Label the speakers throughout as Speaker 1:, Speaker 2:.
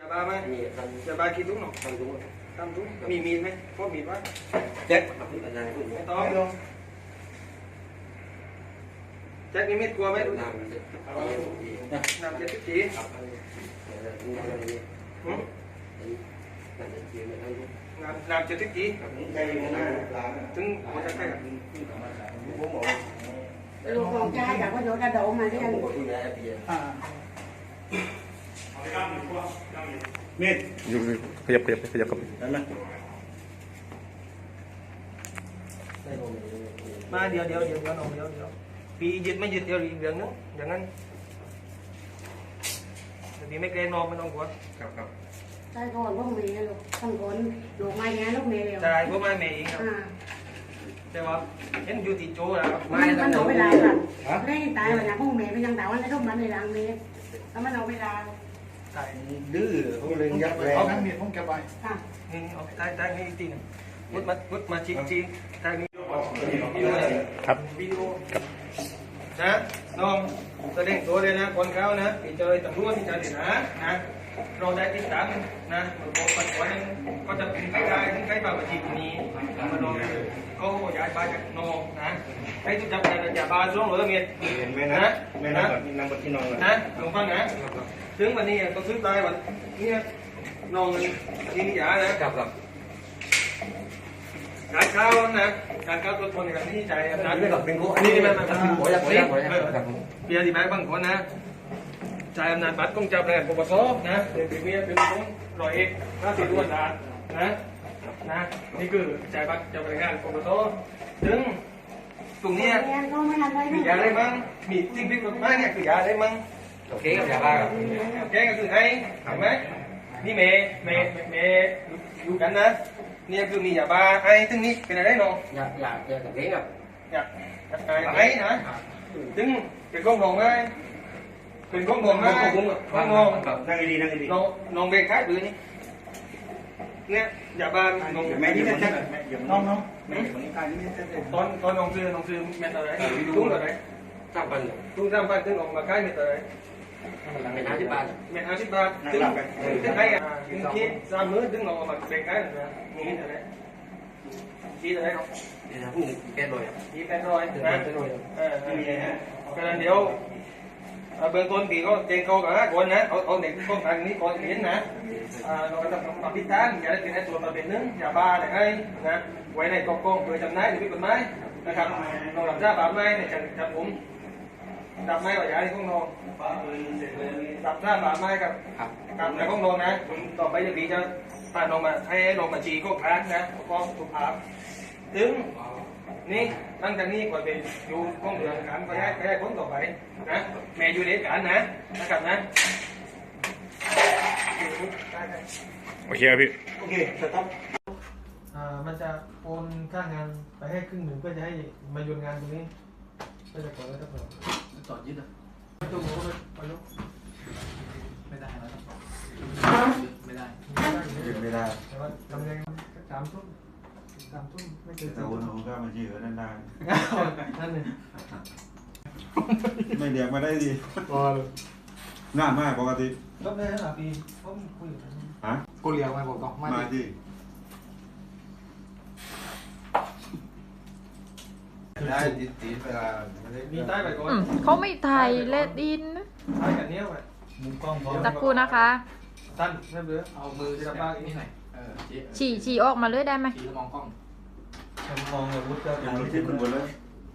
Speaker 1: บาไหมจะบากี่ตุ้งหนอทำตุ้งมีมีดไหมพวกมีดวะแจ็คไม่ต้องแจ็คนี่มีดกลัวไหมดูน้ำเจ็ดจีน้ำเจ็ดจีถึงหัวใจใครกับ
Speaker 2: ลูกของชายกับว่าโดนกระโดดมาเรียน
Speaker 3: มีด
Speaker 4: อยู่ขยับกับ
Speaker 3: ได้ไหม
Speaker 1: มาเดี๋ยวน้องเดี๋ยวปียึดไม่ยึดเดี๋ยวอีกเรื่องนึงอย่างนั้นปีไม่เกรงนอนไม่ต้องกลัวครับ
Speaker 2: ใช่ก่อนพวกเมย์ลูกทั้งคนลูกมาแย่ลูกเมย์เร็ว
Speaker 1: ใช่พวกไม่เมย์เองครับใช่ป่ะเห็นอยู่ที่โจ้แล้ว
Speaker 2: มันเอาเวลาค่ะเล่นตายวันนี้พวกเมย์ไปยังแต่วันนี้ทุกวันในรังเมย์แล้วมันเอาเวลา
Speaker 1: ใช่
Speaker 3: ดื้อเขาเลยยับเลย
Speaker 1: เอาทั้งเมียผมเก็บไว้นี่เอาได้นี่จริงวุดมาชี้ทางนี้
Speaker 4: ครับ
Speaker 1: วิดีโอนะน้องแสดงตัวเลยนะคนเขานะที่เจอตำรวจที่เจอเด็กนะเราได้ติดตามนะบอกปัจจุบันก็จะเป็นใครได้ถึงใครมาประชิดนี้มาลองเขาย้ายไปจากนองนะใครทุกจับได้จากบาร์ช่วงหรือเมียนะ
Speaker 3: นั่งบนที่นอน
Speaker 1: นะลงฟังนะถึงวันนี้ก็ซื้อได้วันนี้นองยิงยานะครับการเข้านะการเข้าตัวคนกับที่ใจนะ
Speaker 3: นี่แบบเป็นกู
Speaker 1: นี่มัน
Speaker 3: เป็นหัวยักษ์
Speaker 1: เบียร์ที่แม่บางคนนะจ่ายอำนาจบัตรกองจับแรงปปสนะเป็นเมียเป็นคนรอยเอก50 ล้านบาทนะนี่คือจ่ายบัตรจับแรงงานปปสถึงตรงนี้มียาอะไรบ้างมีสิ่งผิดกฎหมายเนี่ยคือยาอะไรบ้าง
Speaker 3: โอเคกับยาบ้า
Speaker 1: โอเคก็คือไอ้เห็นไหมนี่เมย์อยู่กันนะนี่คือมียาบ้าไอ้ถึงนี้เป็นอะไรน้อง
Speaker 3: อยากกับเลี้ยงอ่ะ
Speaker 1: อยากไอ้นะถึงเป็นก้องนองไงเป็นก้องนองไงก้องนอง
Speaker 3: นั่งดี
Speaker 1: น้องเบรกท้ายปืนนี่เนี่ยยาบ้าน้อง
Speaker 3: แม่นี่จะน้อง
Speaker 1: ตอนน้องซื้อเม็ดอะไรตุ้งอะไรตุ้ง3,000ถึงออกมาขายเม็ดอะไร
Speaker 3: เม็ด50 บาท
Speaker 1: ถึงใครถึงคิด3 มื้อถึงออกมาเบรกท้ายนะนี่อะไรชี้อะไรน้อง
Speaker 3: นี่นะผู้แก่เลย
Speaker 1: ชี้800นะก็นั้นเดี๋ยวเบื้องต้นปีก็เจงเขากับคนนะเอาเด็กต้นทางนี้ก่อนเห็นนะเราจะทำพิธานอย่าได้เป็นไอ้ตัวมาเป็นนึงอย่าบ้าอะไรให้นะไว้ในกองโดยจำนายหรือผิดกฎหมายนะครับเราหลับจ้าบาปไม้ในจับผมดับไม้ว่าอย่าให้ข้องนอนดับจ้าบาปไม้กับในข้องนอนนะต่อไปจะปีจะพาน้องมาให้น้องมาจีก็ค้างนะก็ถูกภาพถึงนี่ตั้งแต่นี้ก่อนเป็นอยู่ห้องเรือนการก็ได้พ้นต่อไปนะแม่อยู่ในการนะครับนะ
Speaker 4: โอเคครับพี่
Speaker 3: โอเคสต็อป
Speaker 1: มันจะโอนค่างานไปให้ครึ่งหนึ่งเพื่อจะให้มาโยนงานตรงนี้ก็จะก่อนแล้วก็
Speaker 3: ต่อยึดอ่ะ
Speaker 1: ตัวหมูก็ไปลุก
Speaker 3: ไม่ได้แล้วไม่
Speaker 1: ได้แต่ว่าทำยัง3 ทุ่มไม่เกิน
Speaker 5: แต่วนหนูก็มายืนนั่นได้
Speaker 1: นั่นเลย
Speaker 5: ไม่เรียกมาได้ดี
Speaker 1: พอเลย
Speaker 5: ง่ายมากปกติ
Speaker 1: ก็ได้หรอปีผมคุยกัน
Speaker 5: ฮะ
Speaker 1: กูเลี้ยงมาบอกมา
Speaker 5: ดิได้ตีเวลา
Speaker 1: มีใต้ไปก่อน
Speaker 6: เขาไม่ถ่ายเลดอิน
Speaker 1: ถ่ายกันเนี้ยไปมุมกล้อง
Speaker 6: ตะกูนะคะ
Speaker 1: สั้นไม่เบื่อเอามือจับบ้างนี่หน่อย
Speaker 6: ฉี่ออกมาเลยได้ไหม
Speaker 1: ฉี่มองกล้อง
Speaker 5: มองเลยวุ้นก็ยังรู้ที่คุณบนเลย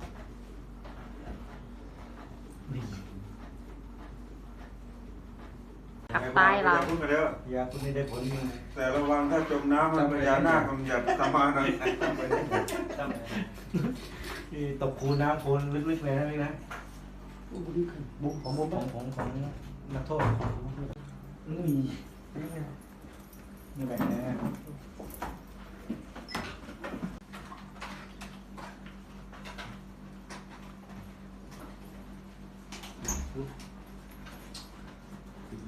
Speaker 6: ขับตายเรา
Speaker 5: พูดมาแล้ว
Speaker 3: ยาคุณนี่ได้ผล
Speaker 5: แต่ระวังถ้าจมน้ำมันพญานาคมันหยัดตามมาหน่อย
Speaker 3: ตกคูน้ำโคลนลึกๆเลยนะพี่นะบุกของนักโทษนี่แบบนี้